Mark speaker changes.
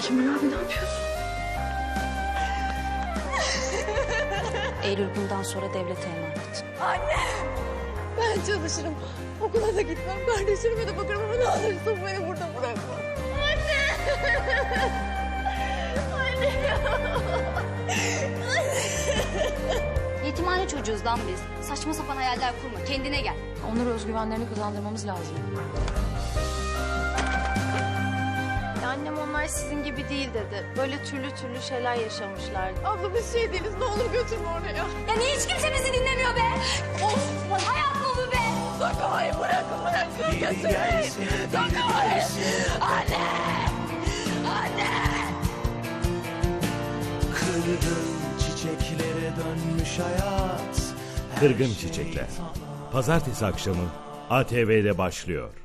Speaker 1: Kemal abi ne yapıyorsun?
Speaker 2: Eylül bundan sonra devlete emanet.
Speaker 1: Anne! Ben çalışırım. Okula da gitmem. Kardeşlerime de bakarım ama ne olursun beni burada bırakma. Anne! Anne ya!
Speaker 2: Yetimhane çocuğuz lan biz. Saçma sapan hayaller kurma. Kendine gel.
Speaker 3: Onları özgüvenlerini kazandırmamız lazım.
Speaker 4: Annem onlar sizin gibi değil dedi. Böyle türlü şeyler yaşamışlar.
Speaker 1: Abla biz şey değiliz. Ne olur götürme oraya.
Speaker 2: Ya niye hiç kimse bizi dinlemiyor be? Of! Hayat mı bu be?
Speaker 1: Dokunmayın bırakın götürmeyin. Dokunmayın. Anne! Anne!
Speaker 5: Kırgın çiçeklere dönmüş hayat.
Speaker 6: Kırgın Çiçekler. Pazartesi akşamı ATV'de başlıyor.